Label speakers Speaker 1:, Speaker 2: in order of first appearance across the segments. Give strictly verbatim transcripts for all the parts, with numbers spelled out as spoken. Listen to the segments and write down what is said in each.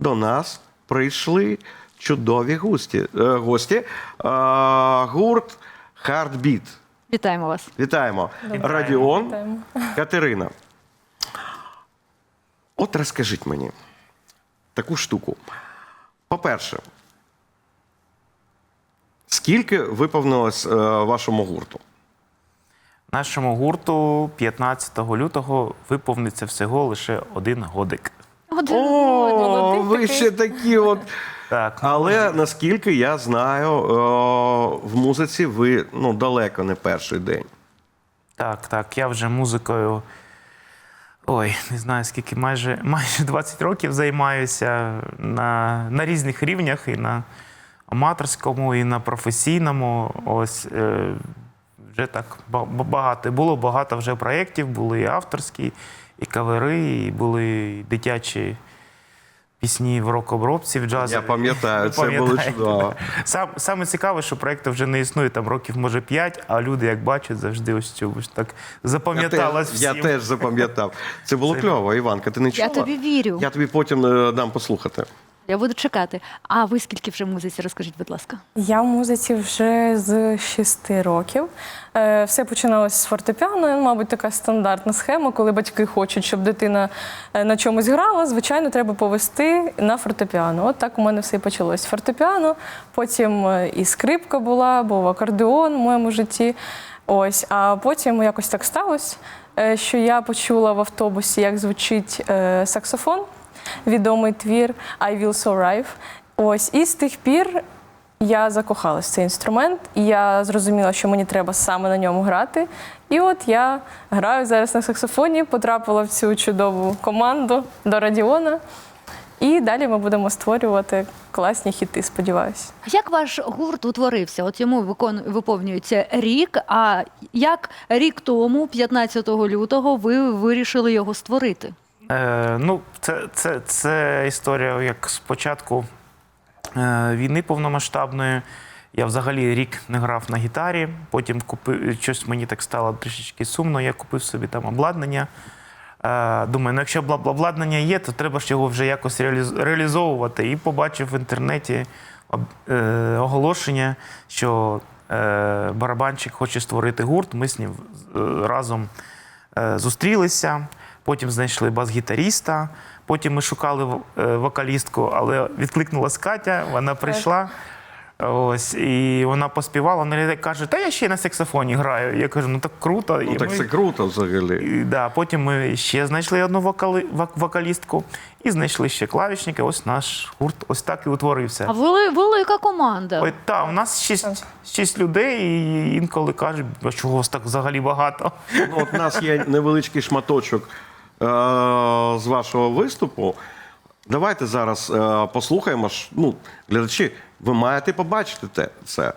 Speaker 1: до нас прийшли чудові гості. Е, гості. Е, гурт Heartbeat.
Speaker 2: Вітаємо вас.
Speaker 1: Вітаємо.
Speaker 3: Добре.
Speaker 1: Радіон,
Speaker 3: Вітаємо.
Speaker 1: Катерина. От розкажіть мені таку штуку. По-перше, скільки виповнилось е, вашому гурту?
Speaker 4: Нашому гурту п'ятнадцятого лютого виповниться всього лише один годик.
Speaker 2: Один
Speaker 1: О,
Speaker 3: молодий
Speaker 1: ви
Speaker 3: такий.
Speaker 1: ще такі от.
Speaker 4: Так,
Speaker 1: Але наскільки я знаю, е, в музиці ви ну, далеко не перший день.
Speaker 4: так, так. Я вже музикою, ой, не знаю скільки, майже, майже двадцять років займаюся на, на різних рівнях, і на аматорському, і на професійному. Ось е, вже так ба- багато. Було багато вже проєктів, були і авторські, і кавери, і були і дитячі пісні в рок-обробці, в джазі.
Speaker 1: Я пам'ятаю,
Speaker 4: Ви
Speaker 1: це було
Speaker 4: пам'ятаєте?
Speaker 1: чудово.
Speaker 4: Сам, саме цікаве, що проєкту вже не існує там років, може, п'ять, а люди, як бачать, завжди ось цю ось так
Speaker 1: Я
Speaker 4: запам'яталась
Speaker 1: теж, я
Speaker 4: всім.
Speaker 1: теж запам'ятав. Це було
Speaker 4: Це-
Speaker 1: кльово, Іванка, ти не чула?
Speaker 2: Я тобі вірю.
Speaker 1: Я тобі потім е, дам послухати.
Speaker 2: Я буду чекати. А ви скільки вже в музиці? Розкажіть, будь ласка.
Speaker 3: Я в музиці вже з шести років. Е, Все починалося з фортепіано. Мабуть, така стандартна схема, коли батьки хочуть, щоб дитина е, на чомусь грала, звичайно, треба повести на фортепіано. От так у мене все і почалось. Фортепіано, потім е, і скрипка була, був акордеон в моєму житті. Ось, а потім якось так сталося, е, що я почула в автобусі, як звучить е, саксофон. Відомий твір «I will survive». Ось, і з тих пір я закохалась в цей інструмент, і я зрозуміла, що мені треба саме на ньому грати. І от я граю зараз на саксофоні, потрапила в цю чудову команду до Радіона. І далі ми будемо створювати класні хіти, сподіваюся.
Speaker 2: Як ваш гурт утворився? От йому викон... виповнюється рік, а як рік тому, п'ятнадцятого лютого, ви вирішили його створити?
Speaker 4: Е, ну, це, це, це історія як з початку е, війни повномасштабної. Я взагалі рік не грав на гітарі, потім купив, щось мені так стало трішечки сумно, я купив собі там обладнання. Е, думаю, ну якщо бла- обладнання є, то треба ж його вже якось реаліз- реалізовувати. І побачив в інтернеті об- е, оголошення, що е, барабанщик хоче створити гурт, ми з ним е, разом е, зустрілися. Потім знайшли бас-гітаріста, потім ми шукали в- е, вокалістку, але відкликнулась Катя, вона прийшла. Ось, і вона поспівала, вона каже, та я ще й на саксофоні граю. Я кажу, ну так круто.
Speaker 1: Ну
Speaker 4: І
Speaker 1: так
Speaker 4: ми-
Speaker 1: це круто взагалі.
Speaker 4: і, да, потім ми ще знайшли одну вокали, вок- вокалістку і знайшли ще клавішника. Ось наш гурт ось так і утворився.
Speaker 2: А вели... велика команда.
Speaker 4: Ой, та, у нас шість, шість людей, і інколи кажуть, а чого вас так взагалі багато?
Speaker 1: Ну, от у нас є невеличкий шматочок е- з вашого виступу. Давайте зараз е- послухаємо. ж, Ну, глядачі, ви маєте побачити те, це.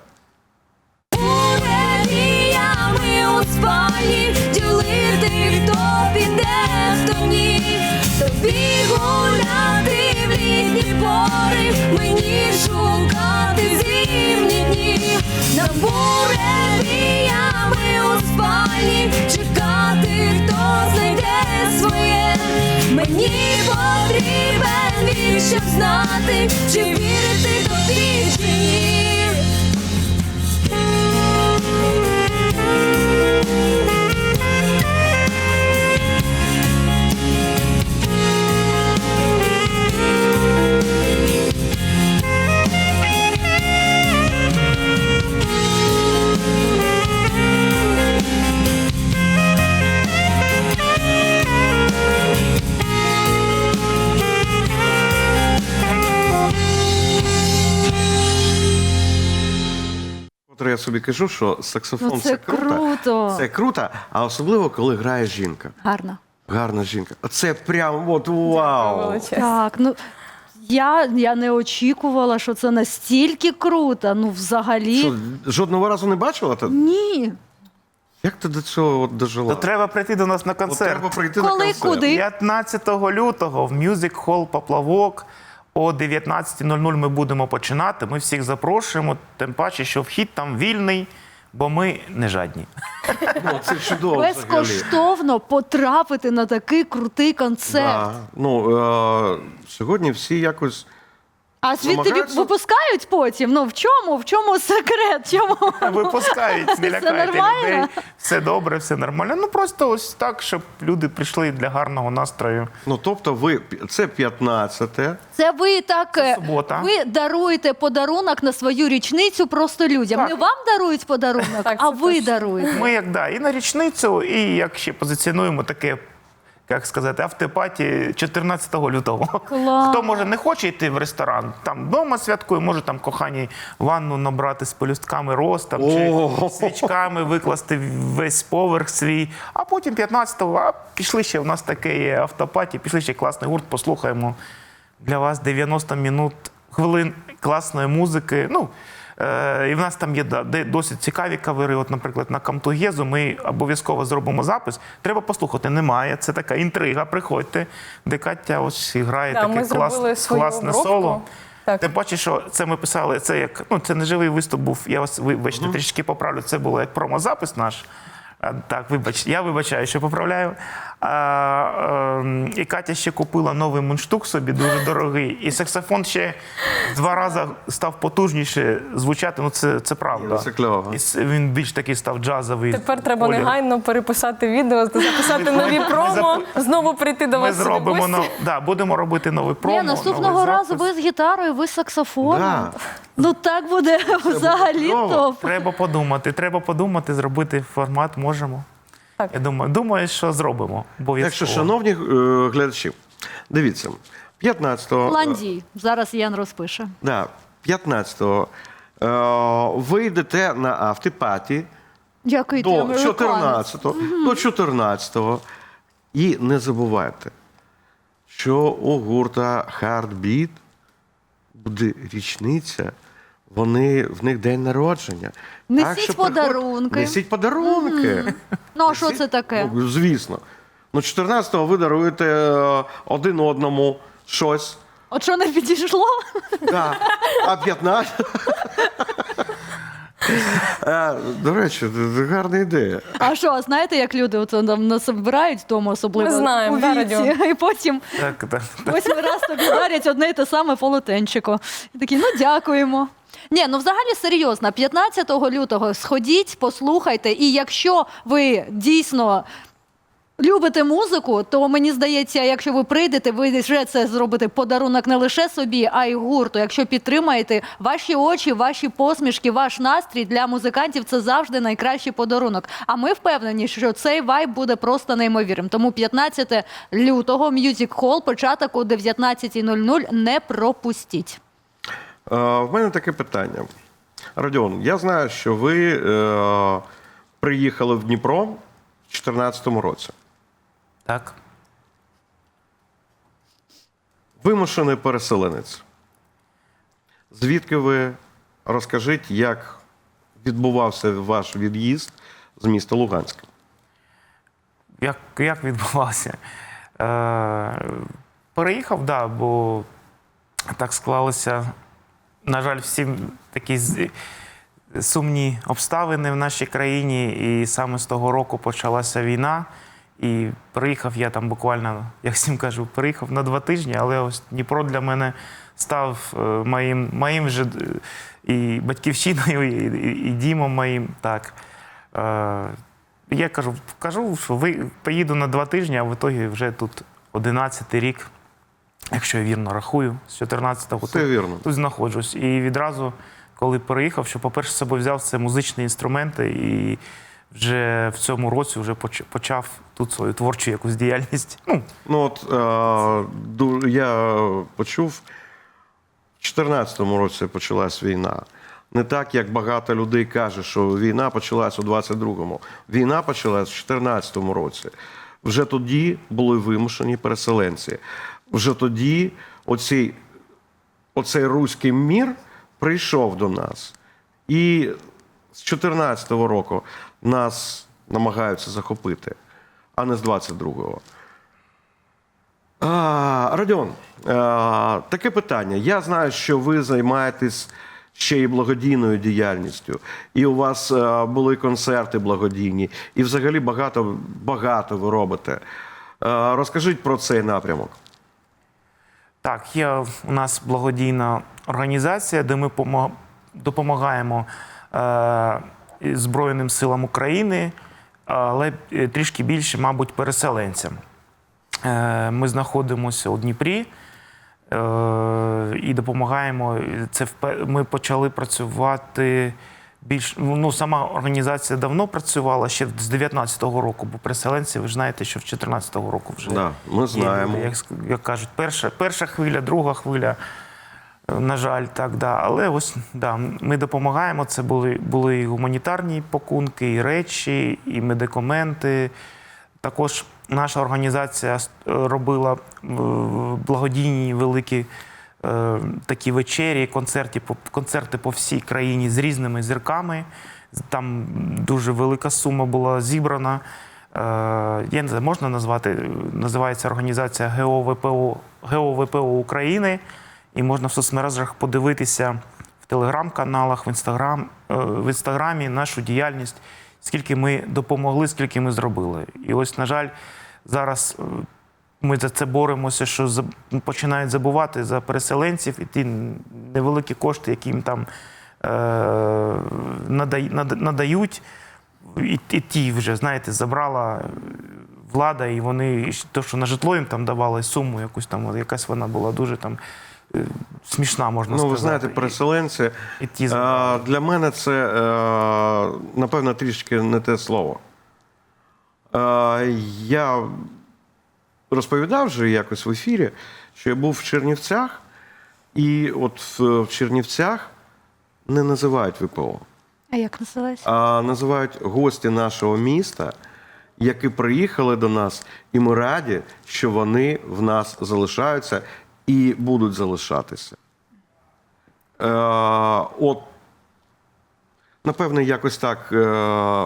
Speaker 5: Мріями у спальні ділити, хто піде, хто ні. Тобі гуляти в літні пори, мені шукати зимні дні. На буревіями у спальні чекати, хто знайде своє. Мені потрібен він, щоб знати, чи вірити тобі, чи ні.
Speaker 1: Котре я собі кажу, що саксофон
Speaker 2: Ну,
Speaker 1: це,
Speaker 2: це
Speaker 1: круто.
Speaker 2: круто.
Speaker 1: Це круто, а особливо, коли грає жінка.
Speaker 2: Гарно.
Speaker 1: Гарна жінка. Це прям от вау.
Speaker 3: Величезне.
Speaker 2: Так, ну я, я не очікувала, що це настільки круто. Ну, взагалі,
Speaker 1: Що, жодного разу не бачила? Та-
Speaker 2: ні.
Speaker 1: Як ти до цього от дожила?
Speaker 4: То треба прийти до нас на
Speaker 1: От
Speaker 4: концерт.
Speaker 1: треба прийти
Speaker 2: Коли,
Speaker 1: на концерт.
Speaker 2: куди?
Speaker 4: п'ятнадцятого лютого в Music Hall Поплавок о дев'ятнадцятій нуль нуль ми будемо починати. Ми всіх запрошуємо, тим паче, що вхід там вільний. бо ми не жадні.
Speaker 1: Ну, це чудово взагалі.
Speaker 2: Безкоштовно потрапити на такий крутий концерт.
Speaker 1: Да. Ну, е, сьогодні всі якось...
Speaker 2: А звідти
Speaker 1: Намагаються-
Speaker 2: віп- випускають потім? Ну в чому? В чому секрет? Чому?
Speaker 4: Випускають, не
Speaker 2: Все
Speaker 4: лякайте
Speaker 2: нормально?
Speaker 4: людей. Все добре, все нормально. Ну просто ось так, щоб люди прийшли для гарного настрою.
Speaker 1: Ну, тобто ви... Це п'ятнадцяте.
Speaker 2: Це ви так е,
Speaker 4: субота.
Speaker 2: ви даруєте подарунок на свою річницю просто людям.
Speaker 4: Так.
Speaker 2: Не вам дарують подарунок,
Speaker 3: Так,
Speaker 2: а
Speaker 3: це
Speaker 2: ви
Speaker 3: точно.
Speaker 2: даруєте.
Speaker 4: Ми як да, і на річницю, і як ще позиціонуємо таке, як сказати, автопаті чотирнадцятого лютого.
Speaker 2: Клас.
Speaker 4: Хто може не хоче йти в ресторан, там вдома святкує, може там коханій ванну набрати з пелюстками роз там, чи
Speaker 1: О.
Speaker 4: свічками викласти весь поверх свій. А потім п'ятнадцятого, а пішли ще, у нас таке є автопаті, пішли ще класний гурт, послухаємо для вас дев'яносто минут, хвилин класної музики. Ну, е, і в нас там є да, де досить цікаві кавери. От, наприклад, на Камтугезу ми обов'язково зробимо запис. Треба послухати. Немає. Це така інтрига. Приходьте, де Катя ось грає
Speaker 3: Да,
Speaker 4: таке
Speaker 3: ми
Speaker 4: клас,
Speaker 3: зробили свою
Speaker 4: класне
Speaker 3: обробку.
Speaker 4: соло.
Speaker 3: Так.
Speaker 4: Тим паче, що це ми писали, це як, ну, це не живий виступ був, я вас, вибачте, трішки поправлю, це було як промозапис наш. А, так, вибач, я вибачаю, що поправляю. А, ем, і Катя ще купила новий мундштук собі, дуже дорогий. І саксофон ще два рази став потужніше звучати, ну це, це правда.
Speaker 1: Це кльово.
Speaker 4: І с- він більш такий став джазовий.
Speaker 3: Тепер треба
Speaker 4: колір.
Speaker 3: негайно переписати відео, записати нові промо, знову прийти до
Speaker 4: Ми
Speaker 3: вас. сюди в
Speaker 4: зробимо,
Speaker 3: гості.
Speaker 4: нов... да, будемо робити новий промо.
Speaker 2: Ні, наступного
Speaker 4: новий
Speaker 2: разу
Speaker 4: запис.
Speaker 2: ви з гітарою, ви з саксофоном.
Speaker 1: Да.
Speaker 2: Ну так буде взагалі
Speaker 1: чудово.
Speaker 2: топ.
Speaker 4: Треба подумати, треба подумати, зробити формат можемо.
Speaker 3: Так.
Speaker 4: Я думаю, думаю, що зробимо.
Speaker 1: Так
Speaker 4: Обов'язково.
Speaker 1: що, шановні е, глядачі, дивіться, п'ятнадцятого...
Speaker 2: Ландій. Зараз Ян розпише.
Speaker 1: Да, п'ятнадцятого е, ви йдете на автопаті
Speaker 2: Дякую, ти
Speaker 1: до
Speaker 2: американець.
Speaker 1: чотирнадцятого, до чотирнадцятого. І не забувайте, що у гурта Heartbeat буде річниця, вони, в них день народження.
Speaker 2: Несіть
Speaker 1: що приходьте-
Speaker 2: подарунки.
Speaker 1: Несіть подарунки.
Speaker 2: Ну а що це таке?
Speaker 1: Ну, звісно. Ну, чотирнадцятого ви даруєте е, один одному щось.
Speaker 2: От що не підійшло?
Speaker 1: Да. А п'ятнадцятого... Е, До речі, гарна ідея.
Speaker 2: А що, знаєте, як люди от там нас збирають вдома, особливо
Speaker 3: Ми знаємо,
Speaker 2: у
Speaker 3: да,
Speaker 2: віці,
Speaker 3: Радіон?
Speaker 2: і потім
Speaker 4: Так, так.
Speaker 2: восьмий раз тобі дарять одне й те саме полотенчико. І такі, ну дякуємо. Ні, ну взагалі серйозно, п'ятнадцятого лютого сходіть, послухайте, і якщо ви дійсно любите музику, то мені здається, якщо ви прийдете, ви вже це зробите подарунок не лише собі, а й гурту. Якщо підтримаєте ваші очі, ваші посмішки, ваш настрій для музикантів, це завжди найкращий подарунок. А ми впевнені, що цей вайб буде просто неймовірним. Тому п'ятнадцятого лютого Music Hall, початок о дев'ятнадцятій нуль нуль, не пропустіть.
Speaker 1: Е, В мене таке питання. Родіон, я знаю, що ви е, приїхали в Дніпро в дві тисячі чотирнадцятому році.
Speaker 4: Так.
Speaker 1: Вимушений переселенець. Звідки ви? Розкажіть, як відбувався ваш від'їзд з міста Луганська?
Speaker 4: Як, як відбувався? Е, переїхав, да, бо так склалося, на жаль, всім такі з- сумні обставини в нашій країні. І саме з того року почалася війна. І приїхав я там буквально, як всім кажу, приїхав на два тижні, але ось Дніпро для мене став е, моїм, моїм же е, і батьківщиною, і, і, і дімом моїм. Так. Е, я кажу, кажу, що ви поїду на два тижні, а в ітогі вже тут одинадцятий рік, якщо я вірно рахую, з чотирнадцятого
Speaker 1: Все
Speaker 4: тут,
Speaker 1: вірно.
Speaker 4: тут знаходжусь. І відразу, коли переїхав, що, по-перше, з собою взяв це музичні інструменти, і вже в цьому році вже поч- почав тут свою творчу якусь діяльність. Ну,
Speaker 1: Ну от е, ду- я почув, в дві тисячі чотирнадцятому році почалась війна. Не так, як багато людей каже, що війна почалась у двадцять другому. Війна почалась в чотирнадцятому році. Вже тоді були вимушені переселенці. Вже тоді оцей, оцей руський мір прийшов до нас. І з чотирнадцятого року нас намагаються захопити, а не з двадцять другого. А, Родіон, а, таке питання. Я знаю, що ви займаєтесь ще й благодійною діяльністю. І у вас е, були концерти благодійні, і взагалі багато, багато ви робите. Е, розкажіть про цей напрямок.
Speaker 4: Так, є у нас благодійна організація, де ми помо- допомагаємо е, Збройним силам України, але трішки більше, мабуть, переселенцям. Е, ми знаходимося у Дніпрі е, і допомагаємо. Це впе- ми почали працювати більш. Ну, сама організація давно працювала, ще з дев'ятнадцятого року, бо переселенці, ви ж знаєте, що в чотирнадцятого року вже.
Speaker 1: Да, ми знаємо.
Speaker 4: Є, як, як кажуть, перша, перша хвиля, друга хвиля. На жаль, так, да. Але ось да, ми допомагаємо. Це були, були і гуманітарні пакунки, і речі, і медикаменти. Також наша організація робила е, благодійні великі е, такі вечері, концерти, по- концерти по всій країні з різними зірками. Там дуже велика сума була зібрана. Е, я не знаю, можна назвати, називається організація ГОВПО, ГОВПО України. І можна в соцмережах подивитися в телеграм-каналах, в інстаграм, е, в інстаграмі нашу діяльність, скільки ми допомогли, скільки ми зробили. І ось, на жаль, зараз е, ми за це боремося, що за- починають забувати за переселенців і ті невеликі кошти, які їм там е, надай- нада- надають, і, і ті вже, знаєте, забрала влада, і вони, то, що на житло їм там давали суму, якусь там, якась вона була дуже там е, смішна, можна
Speaker 1: Ну,
Speaker 4: сказати.
Speaker 1: ви знаєте, переселенці,
Speaker 4: І ті
Speaker 1: е,
Speaker 4: забрали.
Speaker 1: для мене це, е, напевно, трішки не те слово. Е, Я розповідав вже якось в ефірі, що я був в Чернівцях, і от в в Чернівцях не називають ВПО,
Speaker 2: А як називається?
Speaker 1: а називають гості нашого міста, які приїхали до нас, і ми раді, що вони в нас залишаються і будуть залишатися. Е, от, напевне, якось так е,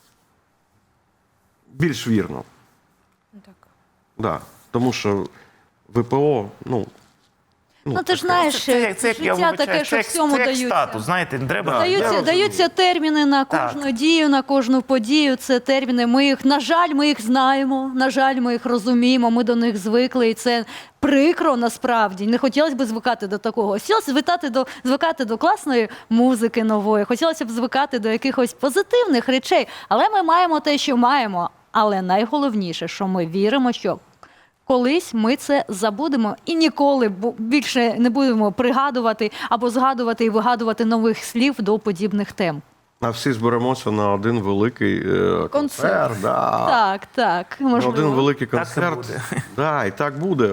Speaker 1: більш вірно.
Speaker 3: Так.
Speaker 1: Да. Тому що ВПО, ну,
Speaker 2: Ну, ти ж знаєш,
Speaker 4: Це, як- це, як, я
Speaker 2: життя
Speaker 4: вибачаю,
Speaker 2: таке,
Speaker 4: це
Speaker 2: що
Speaker 4: як,
Speaker 2: всьому
Speaker 4: це як
Speaker 2: даються.
Speaker 4: статус, знаєте, не треба.
Speaker 1: Да.
Speaker 2: Даються,
Speaker 1: розумію.
Speaker 2: даються терміни на
Speaker 4: Так.
Speaker 2: кожну дію, на кожну подію. Це терміни. Ми їх, на жаль, ми їх знаємо. На жаль, ми їх розуміємо. Ми до них звикли, і це прикро насправді. Не хотілося б звикати до такого. Хотілося звикати до звикати до класної музики нової. Хотілося б звикати до якихось позитивних речей. Але ми маємо те, що маємо. Але найголовніше, що ми віримо, що колись ми це забудемо і ніколи бу- більше не будемо пригадувати або згадувати і вигадувати нових слів до подібних тем.
Speaker 1: а всі зберемося на один великий е, концерт. Да.
Speaker 2: Так, так,
Speaker 1: На
Speaker 2: можливо.
Speaker 1: один великий
Speaker 4: Так і
Speaker 1: концерт.
Speaker 4: буде.
Speaker 1: Да, і так буде.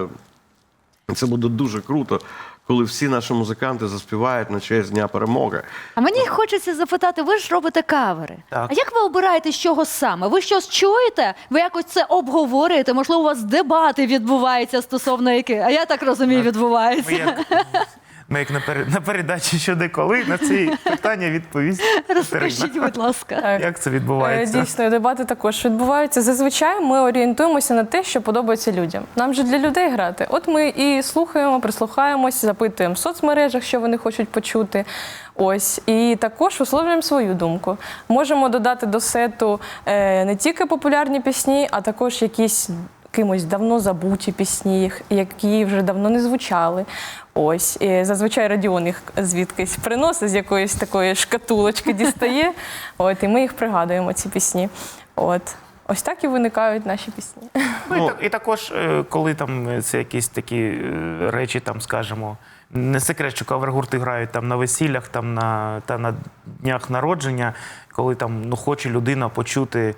Speaker 1: Це буде дуже круто, коли всі наші музиканти заспівають на честь Дня Перемоги.
Speaker 2: А мені хочеться запитати, ви ж робите кавери.
Speaker 4: Так.
Speaker 2: А як ви обираєте, з чого саме? Ви щось чуєте? Ви якось це обговорюєте? Можливо, у вас дебати відбуваються стосовно яких? А я так розумію,
Speaker 4: Ми
Speaker 2: відбуваються.
Speaker 4: як, ми як на, пере- на передачі «Щодо коли» на ці питання відповість
Speaker 2: Розкажіть,
Speaker 4: Катерина.
Speaker 2: будь ласка.
Speaker 3: Так.
Speaker 4: Як це
Speaker 3: Е,
Speaker 4: відбувається?
Speaker 3: Дійсно, дебати також відбуваються. Зазвичай ми орієнтуємося на те, що подобається людям. Нам же для людей грати. От ми і слухаємо, прислухаємось, запитуємо в соцмережах, що вони хочуть почути. Ось. І також висловлюємо свою думку. Можемо додати до сету е, не тільки популярні пісні, а також якісь кимось давно забуті пісні, їх- які вже давно не звучали. Ось. І зазвичай Радіон їх звідкись приносить, з якоїсь такої шкатулочки дістає. От, і ми їх пригадуємо, ці пісні. От. Ось так і виникають наші пісні.
Speaker 4: Ну, і, так- і також, е, коли там е, це якісь такі е, речі, там, скажімо, не секрет, що кавер-гурти грають там на весіллях, там на, та на днях народження, коли там ну, хоче людина почути.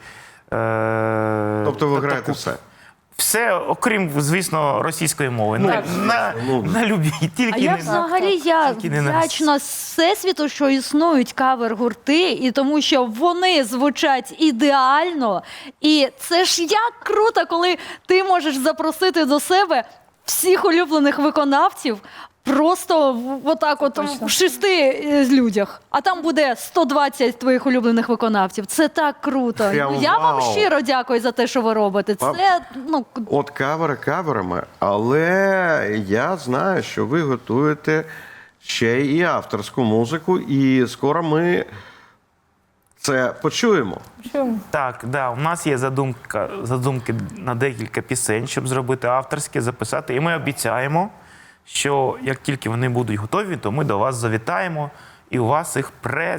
Speaker 4: Е,
Speaker 1: Тобто ви
Speaker 4: та-
Speaker 1: граєте
Speaker 4: таку-
Speaker 1: все.
Speaker 4: Все, окрім, звісно, російської мови.
Speaker 3: Ну,
Speaker 4: на,
Speaker 3: так.
Speaker 4: на,
Speaker 1: Ну,
Speaker 4: на любі, тільки
Speaker 2: А я
Speaker 4: не
Speaker 2: взагалі я
Speaker 4: Тільки не на
Speaker 2: вдячна Всесвіту, що існують кавер-гурти, і тому що вони звучать ідеально. І це ж як круто, коли ти можеш запросити до себе всіх улюблених виконавців. Просто в- отак, от
Speaker 3: точно.
Speaker 2: в шести е, людях, а там буде сто двадцять твоїх улюблених виконавців. Це так круто.
Speaker 1: Прям
Speaker 2: Ну, я вам
Speaker 1: вау.
Speaker 2: щиро дякую за те, що ви робите.
Speaker 1: Вам-
Speaker 2: Це ну
Speaker 1: От кавери каверами, але я знаю, що ви готуєте ще і авторську музику, і скоро ми це почуємо.
Speaker 3: Чому?
Speaker 4: Так, да, у нас є задумка, задумки на декілька пісень, щоб зробити авторські, записати. І ми обіцяємо, що як тільки вони будуть готові, то ми до вас завітаємо і у вас їх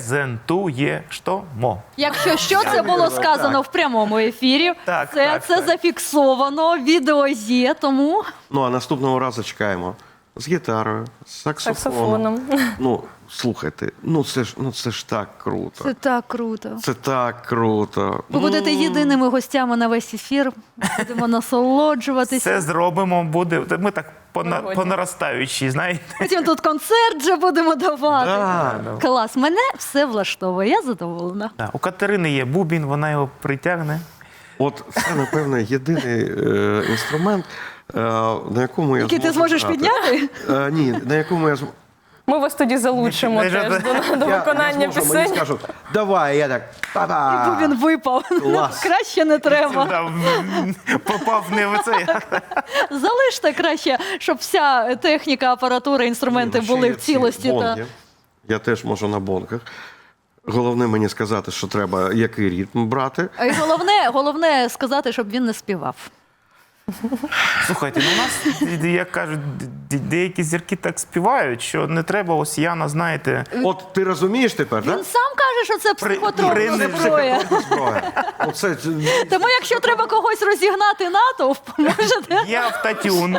Speaker 4: презентуємо.
Speaker 2: Якщо що, це було сказано в прямому ефірі.
Speaker 4: Так,
Speaker 2: це
Speaker 4: так,
Speaker 2: це
Speaker 4: так.
Speaker 2: зафіксовано, відео є, тому
Speaker 1: Ну, а наступного разу чекаємо з гітарою, з саксофоном.
Speaker 3: Саксофоном.
Speaker 1: Ну, слухайте, ну це ж, ну це ж так круто.
Speaker 2: це так круто.
Speaker 1: Це так круто.
Speaker 2: Ви будете
Speaker 1: Ну,
Speaker 2: єдиними гостями на весь ефір. Будемо насолоджуватися.
Speaker 4: Все зробимо, буде. Ми так по, на,
Speaker 3: Сьогодні.
Speaker 4: по наростаючій, знаєте.
Speaker 2: Потім тут концерт вже будемо давати.
Speaker 1: Да.
Speaker 2: Клас, мене все влаштовує, я задоволена.
Speaker 4: Да, у Катерини є бубін, вона його притягне.
Speaker 1: От це, напевно, єдиний е, інструмент, е, на якому я
Speaker 2: Який ти
Speaker 1: зможу
Speaker 2: зможеш
Speaker 1: грати.
Speaker 2: підняти?
Speaker 1: Е, ні, на якому я зможу.
Speaker 3: Ми вас тоді залучимо
Speaker 4: Не- не
Speaker 3: теж
Speaker 4: жадай.
Speaker 3: до, до
Speaker 1: Я,
Speaker 3: виконання
Speaker 1: я зможу, мені
Speaker 3: пісень.
Speaker 1: скажуть, давай, я так, па-па.
Speaker 2: Бо він випав.
Speaker 1: Клас.
Speaker 2: Краще не треба.
Speaker 4: Да, м, попав не в це.
Speaker 2: Залиште краще, щоб вся техніка, апаратура, інструменти
Speaker 1: Ні, ну, ще
Speaker 2: були
Speaker 1: є
Speaker 2: в
Speaker 1: ці
Speaker 2: цілості. Та...
Speaker 1: бонги. Я теж можу на бонках. Головне мені сказати, що треба який ритм брати.
Speaker 2: А й головне, головне сказати, щоб він не співав.
Speaker 4: Слухайте, ну у нас, як кажуть, де- деякі зірки так співають, що не треба, ось Яна, знаєте,
Speaker 1: От ти розумієш тепер,
Speaker 2: Він
Speaker 1: так?
Speaker 2: сам каже, що це психотропна
Speaker 4: принцип
Speaker 2: зброя.
Speaker 1: Зброя. Оце
Speaker 2: Тому якщо треба когось розігнати натовп, можете.
Speaker 4: є автотюн,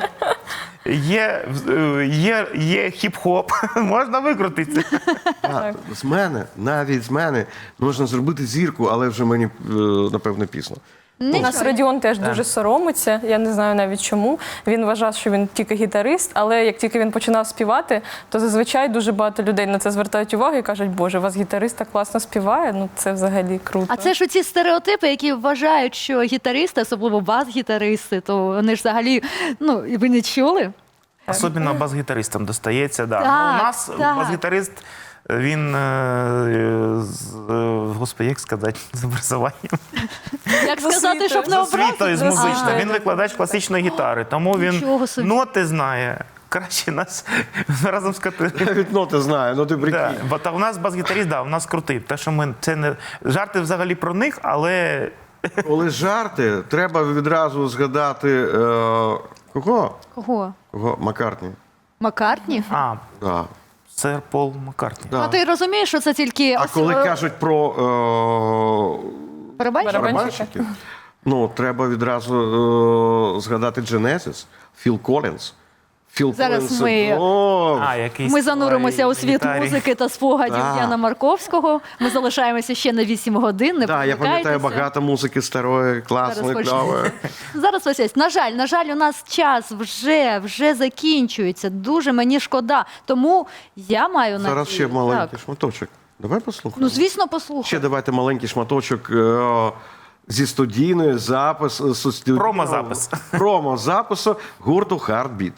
Speaker 4: є, е, є, є хіп-хоп, можна викрутитися.
Speaker 1: а, з мене, навіть з мене можна зробити зірку, але вже мені е, напевно пізно.
Speaker 3: У нас Радіон теж дуже соромиться. Я не знаю навіть чому. Він вважав, що він тільки гітарист, але як тільки він починав співати, то зазвичай дуже багато людей на це звертають увагу і кажуть, боже, у вас гітарист так класно співає. Ну це взагалі круто.
Speaker 2: А це ж оці стереотипи, які вважають, що гітаристи, особливо бас-гітаристи, то вони ж взагалі, ну, і ви не чули?
Speaker 4: Особливо бас-гітаристам достається. Да.
Speaker 2: Так,
Speaker 4: Ну, у нас
Speaker 2: так.
Speaker 4: бас-гітарист, він, е, з, е, господи, як сказати, з образуванням.
Speaker 2: Як сказати,
Speaker 3: освітою.
Speaker 2: щоб не
Speaker 4: З освітою, з
Speaker 2: образити?
Speaker 4: музичною.
Speaker 2: А,
Speaker 4: Він викладач класичної гітари, тому він
Speaker 2: Нічого собі.
Speaker 4: ноти знає. Краще нас разом з Катериною.
Speaker 1: Навіть ноти знаю, ну ти
Speaker 4: Да.
Speaker 1: прикинь.
Speaker 4: Бо та у нас бас-гітарист, да, у нас крутий. Те, що ми це не жарти взагалі про них, але
Speaker 1: Коли жарти, треба відразу згадати е, кого?
Speaker 2: Кого?
Speaker 1: Кого? Маккартні.
Speaker 2: Маккартні?
Speaker 4: а,
Speaker 1: Да.
Speaker 4: сер Пол Маккартні.
Speaker 1: Да.
Speaker 2: А ти розумієш, що це тільки
Speaker 1: А
Speaker 2: ос-
Speaker 1: коли
Speaker 2: е,
Speaker 1: кажуть про
Speaker 2: барабанщик?
Speaker 3: Барабан-
Speaker 1: е, барабанщиків, ну треба відразу е, згадати Genesis, Філ Коллінз. Філ
Speaker 2: Зараз
Speaker 1: Коллінз,
Speaker 2: ми-
Speaker 1: о,
Speaker 4: А, який
Speaker 2: Ми зануримося
Speaker 4: співає
Speaker 2: у світ
Speaker 4: на гітарі.
Speaker 2: музики та спогадів
Speaker 1: Так.
Speaker 2: Яна Марковського. Ми залишаємося ще на вісім годин. Не
Speaker 1: да, я пам'ятаю
Speaker 2: перемикайтеся.
Speaker 1: багато музики старої, класної,
Speaker 2: Зараз
Speaker 1: кльової.
Speaker 2: Зараз ось ось. На жаль, на жаль, у нас час вже, вже закінчується. Дуже мені шкода. Тому я маю надію.
Speaker 1: Зараз ще маленький
Speaker 2: Так.
Speaker 1: шматочок. Давай послухаємо.
Speaker 2: Ну, звісно, послухай.
Speaker 1: Ще давайте маленький шматочок е, зі студійної запис, е, зі студійного-
Speaker 4: Промо-запис.
Speaker 1: Промо-запису гурту Heartbeat.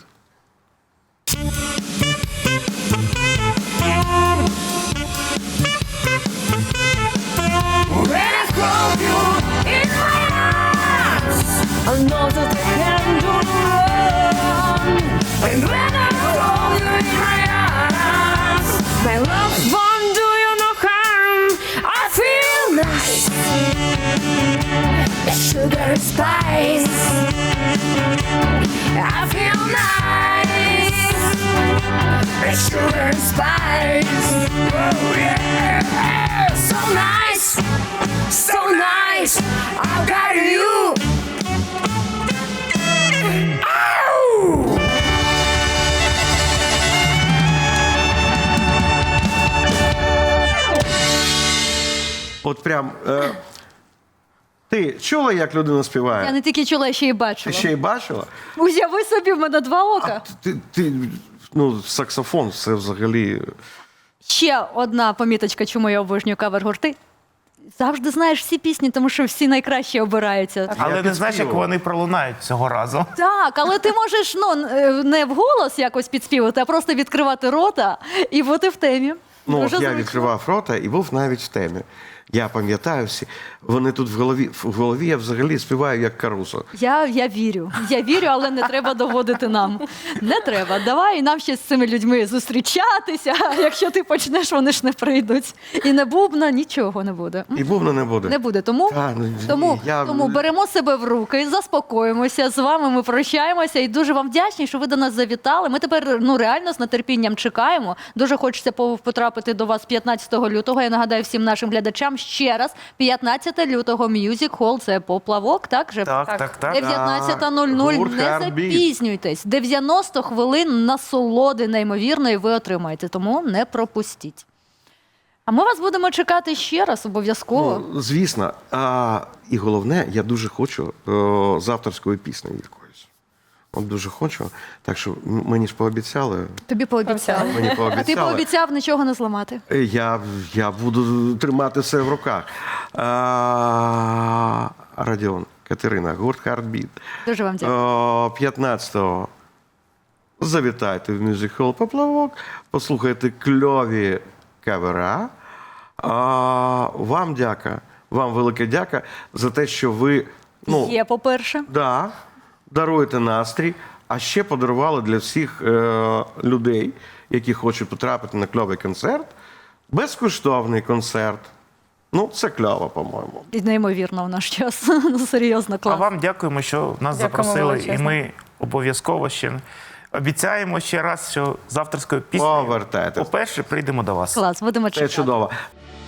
Speaker 5: When I hold you in my arms, I know that I can do no wrong. And when I hold you in my arms, my love won't do you no harm. I feel nice, sugar and spice. I feel nice, sugar and spice. Oh yeah, so nice, so nice. I got you. Ow!
Speaker 1: От прям. Е, ти чула, як людина співає?
Speaker 2: Я не тільки чула, я ще й
Speaker 1: Ти
Speaker 2: бачила.
Speaker 1: ще й бачила?
Speaker 2: Уяви собі, в мене два
Speaker 1: А
Speaker 2: ока.
Speaker 1: ти, ти, ну, саксофон це взагалі.
Speaker 2: Ще одна поміточка, чому я обожнюю кавер-гурти. Завжди знаєш всі пісні, тому що всі найкращі обираються.
Speaker 4: Але
Speaker 1: Я
Speaker 4: не знаєш, як
Speaker 1: підспівував.
Speaker 4: вони пролунають цього разу.
Speaker 2: Так, але ти можеш ну, е, не вголос якось підспівати, а просто відкривати рота і бути в темі.
Speaker 1: Ну,
Speaker 2: Дуже
Speaker 1: от я
Speaker 2: зручно.
Speaker 1: відкривав рота і був навіть в темі. Я пам'ятаю всі. Вони тут в голові, в голові я взагалі співаю як Карусо.
Speaker 2: Я, я вірю. Я вірю, але не треба доводити нам. Не треба. Давай нам ще з цими людьми зустрічатися. Якщо ти почнеш, вони ж не прийдуть. І не бубна, нічого не буде.
Speaker 1: І бубна не буде.
Speaker 2: Не буде. Тому,
Speaker 1: Та, ну,
Speaker 2: тому,
Speaker 1: я-
Speaker 2: тому беремо себе в руки, заспокоїмося. З вами ми прощаємося. І дуже вам вдячні, що ви до нас завітали. Ми тепер ну реально з нетерпінням чекаємо. Дуже хочеться по- потрапити до вас п'ятнадцятого лютого. Я нагадаю всім нашим глядачам ще раз. п'ятнадцятого лютого Music Hall. Це поплавок, так же?
Speaker 4: Так, так, так.
Speaker 2: дев'ятнадцята нуль нуль.
Speaker 1: Гурт
Speaker 2: Не
Speaker 1: Heartbeat.
Speaker 2: запізнюйтесь. дев'яносто хвилин насолоди неймовірної ви отримаєте. Тому не пропустіть. А ми вас будемо чекати ще раз обов'язково.
Speaker 1: Ну, звісно. А, і головне, я дуже хочу о, з авторської пісні якоїсь. От дуже хочу. Так що м- мені ж пообіцяли.
Speaker 2: Тобі пообіцяли.
Speaker 1: Мені
Speaker 2: А ти
Speaker 1: пообіцяли.
Speaker 2: пообіцяв нічого не зламати.
Speaker 1: Я, я буду тримати все в руках. А, Радіон, Катерина, гурт Heartbeat.
Speaker 2: Дуже вам дякую.
Speaker 1: О, п'ятнадцятого завітайте в Music Hall Поплавок, послухайте кльові кавера. А, вам дяка, вам велика дяка за те, що ви ну,
Speaker 2: Є, по-перше.
Speaker 1: да, даруєте настрій, а ще подарували для всіх е, людей, які хочуть потрапити на кльовий концерт, безкоштовний концерт. Ну, це кльово, по-моєму.
Speaker 2: І неймовірно в наш час. Ну, серйозно,
Speaker 4: А
Speaker 2: клас.
Speaker 4: вам дякуємо, що нас
Speaker 3: Дякуємо
Speaker 4: запросили, і
Speaker 3: величезно.
Speaker 4: ми обов'язково ще обіцяємо ще раз, що з авторською піснею
Speaker 1: Повертайтесь.
Speaker 4: по-перше, прийдемо до вас.
Speaker 2: Клас, будемо
Speaker 1: Це
Speaker 2: чекати.
Speaker 1: чудово.